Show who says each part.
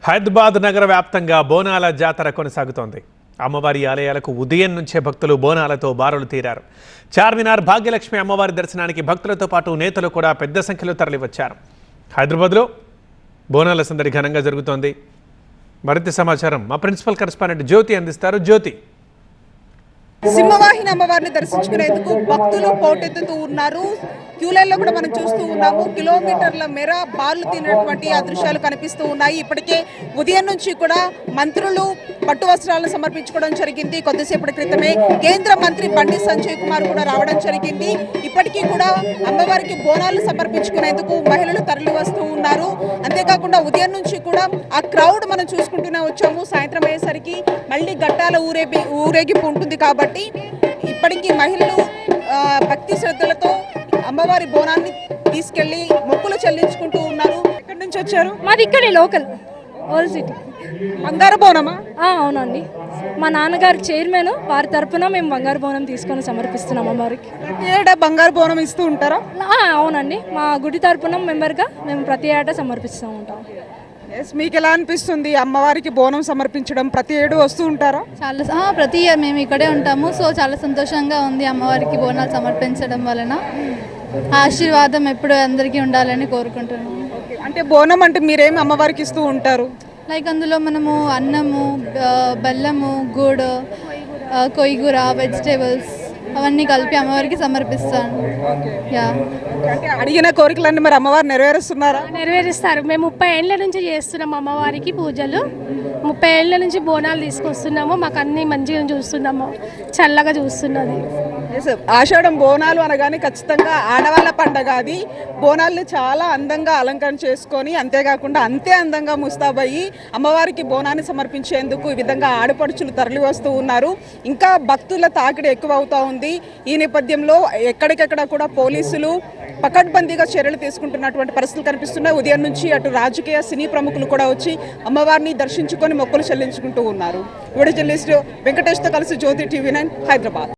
Speaker 1: హైదరాబాద్ నగర వ్యాప్తంగా బోనాల జాతర కొనసాగుతోంది. అమ్మవారి ఆలయాలకు ఉదయం నుంచే భక్తులు బోనాలతో బారులు తీరారు. చార్మినార్ భాగ్యలక్ష్మి అమ్మవారి దర్శనానికి భక్తులతో పాటు నేతలు కూడా పెద్ద సంఖ్యలో తరలివచ్చారు. హైదరాబాద్లో బోనాల సందడి ఘనంగా జరుగుతోంది. మరింత సమాచారం మా ప్రిన్సిపల్ కరెస్పాండెంట్ జ్యోతి అందిస్తారు. జ్యోతి,
Speaker 2: సింహవాహిని అమ్మవారిని దర్శించుకునేందుకు భక్తులు పోటెత్తుతూ ఉన్నారు. క్యూలైన్లో కూడా మనం చూస్తూ ఉన్నాము. కిలోమీటర్ల మేర బార్లు తినటువంటి ఆ దృశ్యాలు కనిపిస్తూ ఉన్నాయి. ఇప్పటికే ఉదయం నుంచి కూడా మంత్రులు పట్టు వస్త్రాలను సమర్పించుకోవడం జరిగింది. కొద్దిసేపటి క్రితమే కేంద్ర మంత్రి బండి సంజయ్ కుమార్ కూడా రావడం జరిగింది. ఇప్పటికీ కూడా అమ్మవారికి బోనాలు సమర్పించుకునేందుకు మహిళలు తరలి వస్తూ ఉన్నారు. అంతేకాకుండా ఉదయం నుంచి కూడా ఆ క్రౌడ్ మనం చూసుకుంటూనే వచ్చాము. సాయంత్రం అయ్యేసరికి మళ్ళీ గట్టాల ఊరేగింపు ఉంటుంది కాబట్టి ఇప్పటికీ మహిళలు భక్తి శ్రద్ధలతో అమ్మవారి బోనాన్ని తీసుకెళ్లి మొక్కులు చెల్లించుకుంటూ ఉన్నారు. ఎక్కడి నుంచి వచ్చారు?
Speaker 3: మాది ఇక్కడే లోకల్ ఓల్డ్ సిటీ.
Speaker 2: బంగారు బోనమా?
Speaker 3: అవునండి, మా నాన్నగారు చైర్మన్, వారి తరపున మేము బంగారు బోనం తీసుకొని సమర్పిస్తున్నాం అమ్మవారికి.
Speaker 2: ప్రతి ఏటా బంగారు బోనం ఇస్తూ ఉంటారా?
Speaker 3: అవునండి, మా గుడి తరపున మెంబర్గా మేము ప్రతి ఏటా సమర్పిస్తూ ఉంటాం.
Speaker 2: మీకు ఎలా అనిపిస్తుంది అమ్మవారికి బోనం సమర్పించడం? ప్రతి ఏడు వస్తూ ఉంటారా?
Speaker 4: చాలా ప్రతి ఇయర్ మేము ఇక్కడే ఉంటాము. సో చాలా సంతోషంగా ఉంది అమ్మవారికి బోనాలు సమర్పించడం వలన. ఆశీర్వాదం ఎప్పుడు అందరికీ ఉండాలని కోరుకుంటున్నాము.
Speaker 2: అంటే బోనం అంటే మీరేమి అమ్మవారికి ఇస్తూ ఉంటారు?
Speaker 4: లైక్ అందులో మనము అన్నము, బెల్లము, గూడు, కొయ్యూర, వెజిటేబుల్స్ అవన్నీ కలిపి అమ్మవారికి సమర్పిస్తాను.
Speaker 2: అంటే అడిగిన కోరికలన్నీ మరి అమ్మవారు నెరవేరుస్తున్నారా?
Speaker 3: నెరవేరుస్తారు. మేము 30 ఏళ్ళ నుంచి చేస్తున్నాం అమ్మవారికి పూజలు. 30 ఏళ్ళ నుంచి బోనాలు తీసుకొస్తున్నాము. మాకు అన్ని మంచిగా చూస్తున్నాము, చల్లగా చూస్తున్నది.
Speaker 2: ఆషాఢం బోనాలు అనగానే ఖచ్చితంగా ఆడవాళ్ళ పండగ. అది బోనాలను చాలా అందంగా అలంకరణ చేసుకొని, అంతేకాకుండా అంతే అందంగా ముస్తాబయ్యి అమ్మవారికి బోనాన్ని సమర్పించేందుకు ఈ విధంగా ఆడపడుచులు తరలి వస్తూ ఉన్నారు. ఇంకా భక్తుల తాకిడి ఎక్కువ అవుతా ఉంది. ఈ నేపథ్యంలో ఎక్కడికెక్కడ కూడా పోలీసులు పకడ్బందీగా చర్యలు తీసుకుంటున్నటువంటి పరిస్థితులు కనిపిస్తున్నాయి. ఉదయం నుంచి అటు రాజకీయ సినీ ప్రముఖులు కూడా వచ్చి అమ్మవారిని దర్శించుకొని మొక్కులు చెల్లించుకుంటూ ఉన్నారు. వీడియో జర్నలిస్ట్ వెంకటేష్తో కలిసి జ్యోతి, TV9 హైదరాబాద్.